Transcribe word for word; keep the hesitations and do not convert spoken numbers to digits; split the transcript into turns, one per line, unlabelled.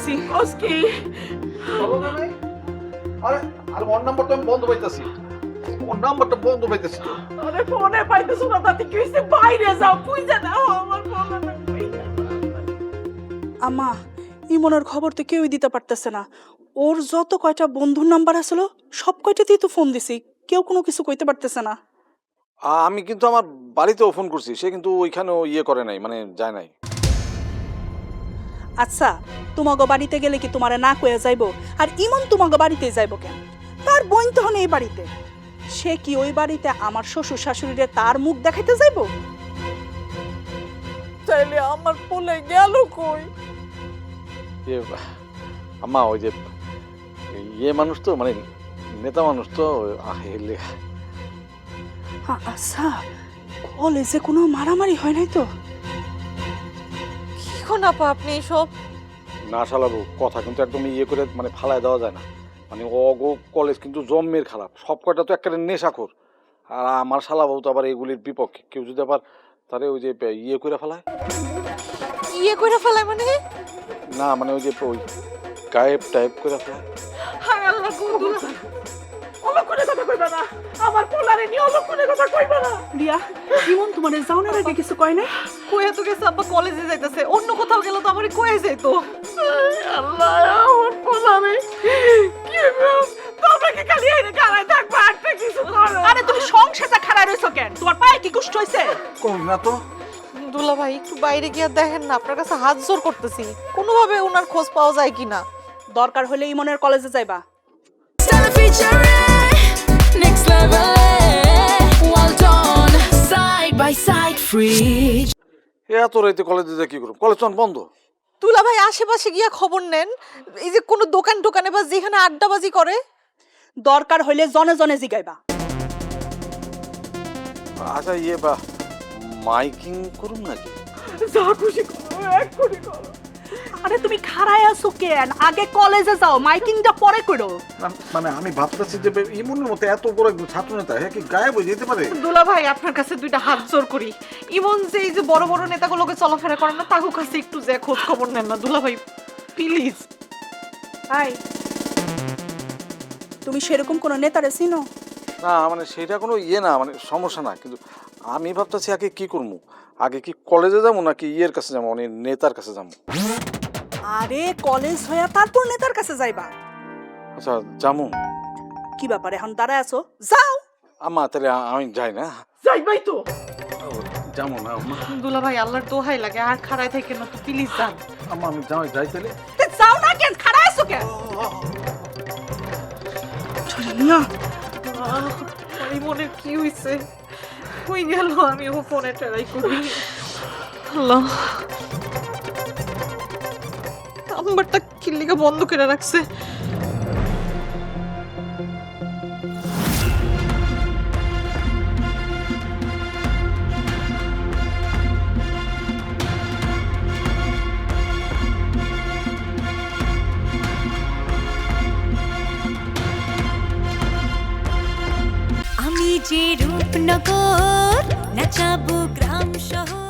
পাইতেছি।
আজকে
বলো না নাই? আরে আরে ওর নাম্বারটা আমি বন্ধ পাইতেছি, ওর নাম্বারটা বন্ধ পাইতেছি তো।
আরে ফোনে পাইতেছো না, তাতে কি হইছে? বাইরে যাও, খুঁজে দাও আমার ফোনটা।
আম্মা, ইমনের খবর তো কেউই দিতে পারতেছে না। ওর যত কয়টা বন্ধুর নাম্বার আসলো সব কয়টাতেই তো ফোন দিছি, কেউ কোনো কিছু কইতে পারতেছে না।
আ- আমি কিন্তু আমার বাড়িতেও ফোন করছি, সে কিন্তু ওইখানেও ইয়ে করে নাই, মানে যায় নাই।
আচ্ছা, তোমাগো বাড়িতে গেলে কি তোমারে না কয়ে যাইবো? আর ইমন তোমাগো বাড়িতে যাইবো কেন? তার বোন তখন এই বাড়িতে, সে কি ওই বাড়িতে আমার শ্বশুর শাশুড়িরে তার মুখ দেখাইতে যাইবো?
তাইলে আমার পোলে গেল কই?
ইয়ে আম্মা, ওই যে ইয়ে মানুষ তো, মানে নেতা মানুষ তো, আহেলে।
হ্যাঁ, আচ্ছা, কলেজে কোনো মারামারি হয় নাই তো?
কি কোন আপা আপনি এসব?
না শালাবু, কথা কিন্তু একদম ইয়ে করে মানে ফালায় দেওয়া যায় না। মানে অগো কলেজ কিন্তু জম্মের খারাপ, সব কয়টা তো একেবারে নেশাখোর। আর আমার শালাবু তো আবার এগুলির বিপক্ষে। কেউ যদি আবার তারে ওই যে ইয়ে করে ফেলায়,
ইয়ে কইরা ফেলায় মানে?
না মানে ওই যে ওই গায়েব টাইপ করে ফেলায়।
হায় আল্লাহ, কোন দুলা
অলক করে কথা কইবা না, আমার পোলারে নিয়ে অলক করে কথা কইবা না।
রিয়া, ইমন তোমার যাওয়ার আগে কিছু কয় নাই?
কইয়া তো গেছে আব্বা কলেজে যাইতেছে, অন্য কোথাও গেল তো আমারে কয়ে যাইতো।
আল্লাহ, আমার পোলারে কি গো? তোমরা কি খালি এনে গালায় থাকবা, একটা কিছু করো?
আরে তুমি সংসারটা খারাপ রইছো কেন? তোমার পায়ে কি কুষ্ঠ হইছে?
কই না তো।
দুলা ভাই একটু বাইরে গিয়ে দেখেন না, আপনার কাছে হাত জোর করতেছি, কোনোভাবে ওনার খোঁজ পাওয়া যায় কিনা।
দরকার হলে ইমনের কলেজে যাইবা।
Next level, well done, side by side, free.
এত রাইতে কলেজে যা কি করব? কলেজ তো বন্ধ।
দুলা ভাই আশেপাশে গিয়া খবর নেন, এই যে কোনো দোকান টোকানে বা যেখানে আড্ডাবাজি করে।
দরকার হইলে জনে জনে জিগাইবা।
আচ্ছা ইয়ে বা মাইকিং করুন নাকি?
যা খুশি করো, এক করে করো।
আরে তুমি খাড়ায় আছো কেন? আগে কলেজে যাও, মাইকিংটা পরে করো।
না- মানে আমি ভাবতেছি যে ইমনের মতো এত বড় একজন ছাত্র নেতা, হ্যাঁ কি গায়েব হয়ে যেতে পারে?
দুলা ভাই আপনার কাছে দুইটা হাত জোর করি, ইমন যে এই যে বড় বড় নেতাগুলোকে চলাফেরা করে না, তার কাছে একটু যে খোঁজ খবর নেন না দুলা ভাই, প্লিজ।
হাই, তুমি সেরকম কোন নেতারে চিনো?
না মানে সেটা কোনো ইয়ে না, মানে সমস্যা না, কিন্তু আমি ভাবতেছি আগে কি করবো, আগে কি কলেজে যাবো নাকি ইয়ের কাছে যাবো, মানে নেতার কাছে যাবো?
আরে কলেজ হইয়া তারপর নেতার কাছে যাইবা।
আচ্ছা যাবো।
কি ব্যাপার এখন দাঁড়ায় আছো? যাও।
আম্মা তাহলে আমি যাই না?
যাইবাই তো।
যাবো না আম্মা।
দুলা ভাই আল্লাহর দোহাই লাগে, আর খাড়ায় থেকে না তো প্লিজ যান।
আম্মা আমি যাই যাই তাহলে।
তে যাও না কেন? খাড়ায় আছো কেন? না,
ইমনের কি হইছে? হই গেল, আমি ও ফোনে ট্রাই করি। আল্লাহ, নাম্বারটা কি লিগা বন্ধ করে রাখছে?
আমি যে রূপনগর নাচাবো গ্রাম শহর।